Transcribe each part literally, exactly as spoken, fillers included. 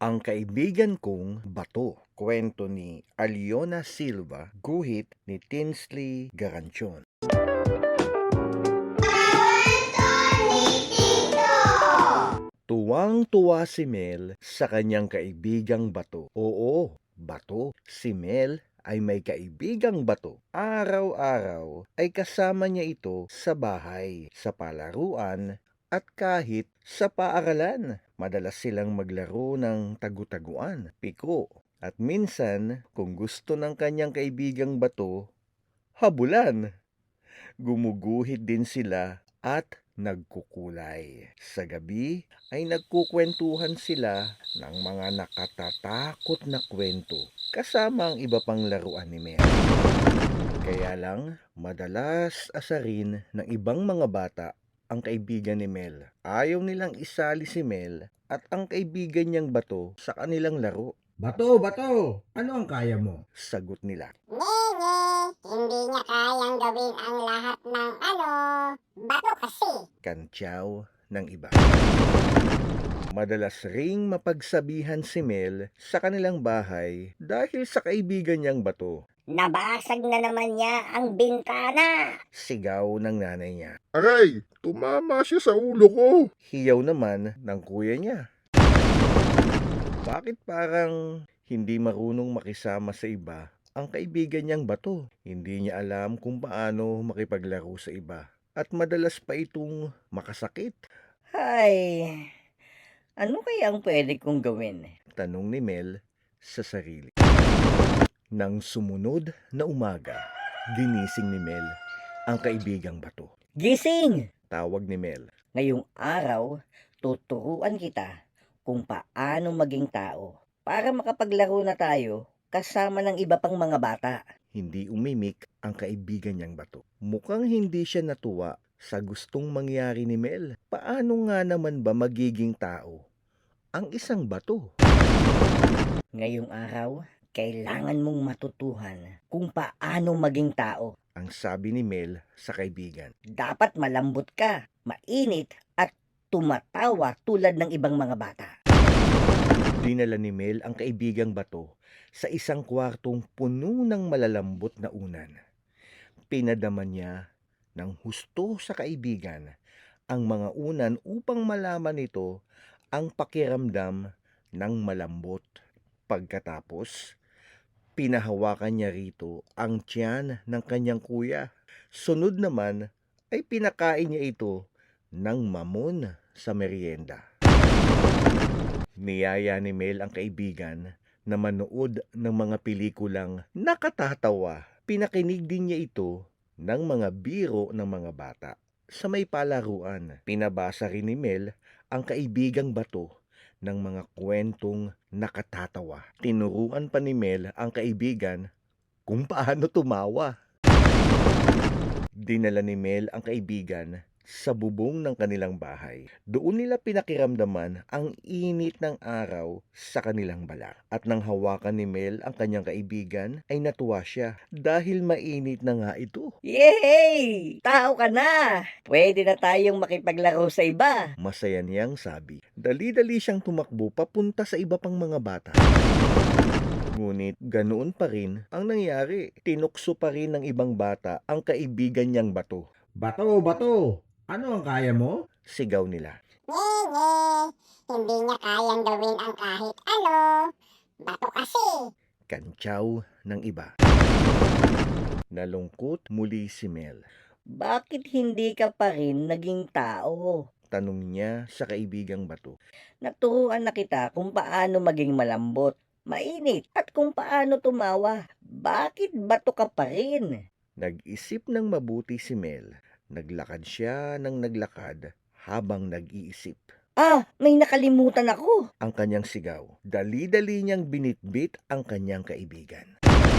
Ang Kaibigan Kong Bato, kwento ni Aliona Silva, guhit ni Tinsley Garancion. Tuwang-tuwa si Mel sa kanyang kaibigang bato. Oo, bato. Si Mel ay may kaibigang bato. Araw-araw ay kasama niya ito sa bahay, sa palaruan, at kahit sa paaralan. Madalas silang maglaro ng tagu-taguan, piko, at minsan kung gusto ng kanyang kaibigang bato, habulan. Gumuguhit din sila at nagkukulay. Sa gabi ay nagkukwentuhan sila ng mga nakatatakot na kwento kasama ang iba pang laruan ni Mel. Kaya lang, madalas asarin ng ibang mga bata ang kaibigan ni Mel. Ayaw nilang isali si Mel at ang kaibigan niyang bato sa kanilang laro. Bato, bato! Ano ang kaya mo? Sagot nila. Nene, hindi niya kayang gawin ang lahat ng ano, bato kasi. Kantyaw ng iba. Madalas ring mapagsabihan si Mel sa kanilang bahay dahil sa kaibigan niyang bato. Nabasag na naman niya ang bintana. Sigaw ng nanay niya. Aray, tumama siya sa ulo ko. Hiyaw naman ng kuya niya. Bakit parang hindi marunong makisama sa iba ang kaibigan niyang bato? Hindi niya alam kung paano makipaglaro sa iba at madalas pa itong makasakit. Ay, ano kaya ang pwede kong gawin? Tanong ni Mel sa sarili. Nang sumunod na umaga, ginising ni Mel ang kaibigang bato. Gising! Tawag ni Mel. Ngayong araw, tuturuan kita kung paano maging tao para makapaglaro na tayo kasama ng iba pang mga bata. Hindi umimik ang kaibigan niyang bato. Mukhang hindi siya natuwa sa gustong mangyari ni Mel. Paano nga naman ba magiging tao ang isang bato? Ngayong araw, kailangan mong matutuhan kung paano maging tao. Ang sabi ni Mel sa kaibigan. Dapat malambot ka, mainit at tumatawa tulad ng ibang mga bata. Dinala ni Mel ang kaibigang bato sa isang kwartong puno ng malalambot na unan. Pinadama niya ng husto sa kaibigan ang mga unan upang malaman nito ang pakiramdam ng malambot. Pagkatapos, pinahawakan niya rito ang tiyan ng kanyang kuya. Sunod naman ay pinakain niya ito ng mamon sa merienda. Niyaya ni Mel ang kaibigan na manood ng mga pelikulang nakatatawa. Pinakinig din niya ito ng mga biro ng mga bata sa may palaruan. Pinabasa rin ni Mel ang kaibigang bato ng mga kwentong nakatatawa. Tinuruan pa ni Mel ang kaibigan kung paano tumawa. Dinala ni Mel ang kaibigan sa bubong ng kanilang bahay. Doon nila pinakiramdaman ang init ng araw sa kanilang balat. At nang hawakan ni Mel ang kanyang kaibigan, ay natuwa siya dahil mainit na nga ito. Yay! Tao ka na! Pwede na tayong makipaglaro sa iba. Masaya niyang sabi. Dali-dali siyang tumakbo papunta sa iba pang mga bata. Ngunit ganoon pa rin ang nangyari. Tinukso pa rin ng ibang bata ang kaibigan niyang bato. Bato, bato! Ano ang kaya mo? Sigaw nila. Nene, hindi niya kayang gawin ang kahit ano, bato kasi. Kantyaw ng iba. Nalungkot muli si Mel. Bakit hindi ka pa rin naging tao? Tanong niya sa kaibigang bato. Naturuan na kita kung paano maging malambot, mainit, at kung paano tumawa. Bakit bato ka pa rin? Nag-isip ng mabuti si Mel. Naglakad siya ng naglakad habang nag-iisip. Ah, may nakalimutan ako. Ang kanyang sigaw. Dali-dali niyang binitbit ang kanyang kaibigan.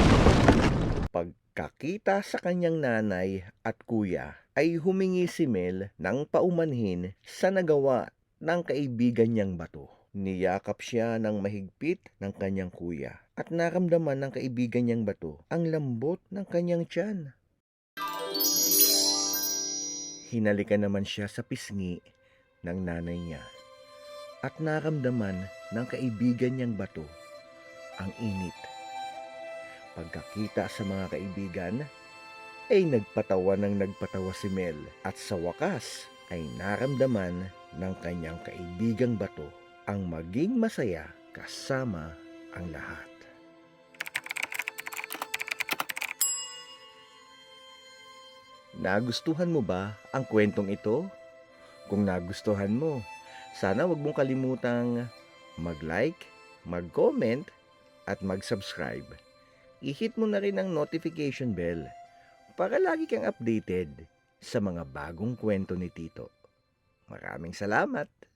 Pagkakita sa kanyang nanay at kuya, ay humingi si Mel ng paumanhin sa nagawa ng kaibigan niyang bato. Niyakap siya ng mahigpit ng kanyang kuya at naramdaman ng kaibigan niyang bato ang lambot ng kanyang tiyan. Hinalikan naman siya sa pisngi ng nanay niya at naramdaman ng kaibigan niyang bato ang init. Pagkakita sa mga kaibigan, ay nagpatawa ng nagpatawa si Mel at sa wakas ay naramdaman ng kanyang kaibigang bato ang maging masaya kasama ang lahat. Nagustuhan mo ba ang kwentong ito? Kung nagustuhan mo, sana wag mong kalimutang mag-like, mag-comment, at mag-subscribe. I-hit mo na rin ang notification bell para lagi kang updated sa mga bagong kwento ni Tito. Maraming salamat!